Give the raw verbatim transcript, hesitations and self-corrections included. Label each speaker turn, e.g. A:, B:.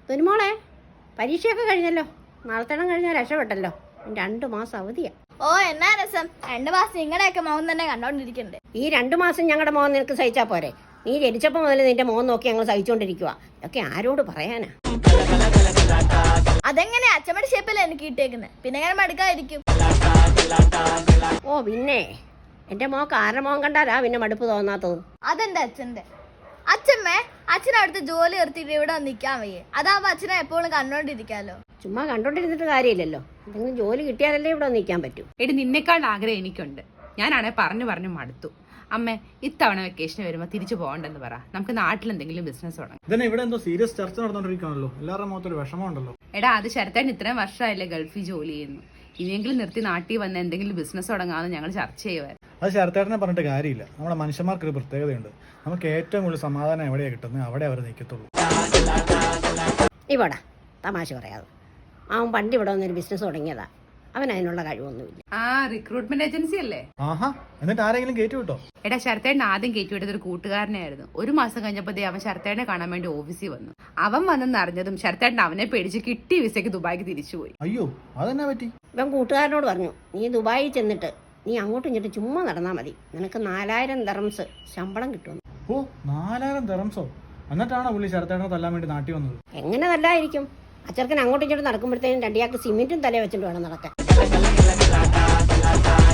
A: തുനിമോളെ, പരീക്ഷയൊക്കെ കഴിഞ്ഞല്ലോ. നാളത്തേണം കഴിഞ്ഞാൽ രക്ഷപ്പെട്ടല്ലോ. രണ്ട് മാസം അവധിയാ.
B: ഓ, എന്നാ രസം. രണ്ടു മാസം നിങ്ങളുടെയൊക്കെ മോൻ തന്നെ കണ്ടോണ്ടിരിക്കണ്ടേ.
A: ഈ രണ്ടു മാസം ഞങ്ങളുടെ മോൻ നിനക്ക് സഹിച്ചാ പോരെ? നീ ജനിച്ചപ്പോൾ മുതൽ നിന്റെ മോൻ നോക്കി ഞങ്ങൾ സഹിച്ചുകൊണ്ടിരിക്കുക. ഇതൊക്കെ ആരോട് പറയാനാ?
B: അതെങ്ങനെ അച്ഛമ്മയുടെ ഷേപ്പല്ലേ എനിക്ക് കിട്ടിയേക്കുന്നത്, പിന്നെ ഞാൻ മടുക്കാതിരിക്കും.
A: ഓ പിന്നെ, എന്റെ മോക്ക് ആരുടെ മോൻ കണ്ടാലാ പിന്നെ മടുപ്പ് തോന്നാത്തത്?
B: അതെന്റെ അച്ഛന്റെ. അച്ഛമ്മേ, അച്ഛൻ അവിടുത്തെ ജോലി നിർത്തിയിട്ട് ഇവിടെ നിൽക്കാൻ വയ്യേ? അതാവുമ്പോ അച്ഛനെ എപ്പോഴും കണ്ടോണ്ടിരിക്കാലോ.
A: ചുമ്മാ കണ്ടോണ്ടിരുന്നിട്ട് കാര്യമില്ലല്ലോ. എന്തെങ്കിലും ജോലി കിട്ടിയാലല്ലേ ഇവിടെ നിൽക്കാൻ പറ്റൂ.
C: എടി, നിന്നെക്കാൾ ആഗ്രഹം എനിക്കുണ്ട്. ഞാനാണെ പറഞ്ഞു പറഞ്ഞു മടുത്തു. അമ്മേ, ഇത്തവണ വെക്കേഷന് വരുമ്പോൾ തിരിച്ചു പോകണ്ടെന്ന് പറ. നമുക്ക് നാട്ടിൽ എന്തെങ്കിലും ബിസിനസ് തുടങ്ങാം.
D: ഇതന്നെ ഇവിടെ എന്തോ സീരിയസ് ചർച്ച നടന്നുകൊണ്ടിരിക്കുകയാണല്ലോ. എല്ലാവരുടെ മുഖത്തൊരു വിഷമമുണ്ടല്ലോ.
C: എടാ, അത് ശരത്തേട്ടൻ ഇത്രയും വർഷമായില്ലേ ഗൾഫിൽ ജോലി ചെയ്യുന്നു. ഇനിയെങ്കിലും നിർത്തി നാട്ടിൽ വന്ന് എന്തെങ്കിലും ബിസിനസ് തുടങ്ങാമെന്ന് ഞങ്ങൾ ചർച്ച ചെയ്യുമായിരുന്നു.
D: അത് ശരത്തേട്ടനെ പറഞ്ഞിട്ട് കാര്യമില്ല. നമ്മുടെ മനുഷ്യന്മാർക്കൊരു പ്രത്യേകതയുണ്ട്. നമുക്ക് ഏറ്റവും കൂടുതൽ സമാധാനം എവിടെയാണ് കിട്ടുന്നത് അവിടെ അവർ നിൽക്കത്തുള്ളൂ.
A: ഇവിടെ തമാശ പറയാതെ, അവൻ പണ്ട് ഇവിടെ വന്നൊരു ബിസിനസ് തുടങ്ങിയതാ. അവൻ അതിനുള്ള കഴിവൊന്നുമില്ല.
C: ആ, റിക്രൂട്ട്മെന്റ് ഏജൻസി അല്ലേ?
D: ആഹാ, എന്നിട്ട് ആരെങ്കിലും കയറ്റി വിട്ടോ?
C: എടാ, ശരത്തേട്ടൻ ആദ്യം കയറ്റിവിട്ടത് ഒരു കൂട്ടുകാരനായിരുന്നു. ഒരു മാസം കഴിഞ്ഞപ്പോഴത്തേ അവൻ ശരത്തേട്ടനെ കാണാൻ വേണ്ടി ഓഫീസിൽ വന്നു. അവൻ വന്നെന്ന് അറിഞ്ഞതും ശരത്തേട്ടൻ അവനെ പേടിച്ച് കിട്ടി വിസയ്ക്ക് ദുബായിക്ക് തിരിച്ചുപോയി.
D: അയ്യോ, അതെന്നാ പറ്റി?
A: ഇവൻ കൂട്ടുകാരനോട് പറഞ്ഞു, നീ ദുബായിൽ ചെന്നിട്ട് നീ അങ്ങോട്ടും ഇങ്ങോട്ടും ചുമ്മാ നടന്നാൽ മതി, നിനക്ക് നാലായിരം ദറംസ് ശമ്പളം കിട്ടുമെന്ന്.
D: ഓ, നാലായിരം ദറംസോ? എന്നിട്ടാണോ പുള്ളി ശരത്തേട്ടനെ തല്ലാൻ വേണ്ടി നാട്ടി വന്നത്?
A: എങ്ങനെ നല്ലതായിരിക്കും? അച്ചർക്കൻ അങ്ങോട്ടും ഇങ്ങോട്ടും നടക്കുമ്പോഴത്തേനും രണ്ടിയാൾക്ക് സിമെന്റും തലേ വെച്ചിട്ട് വേണം നടക്കാൻ.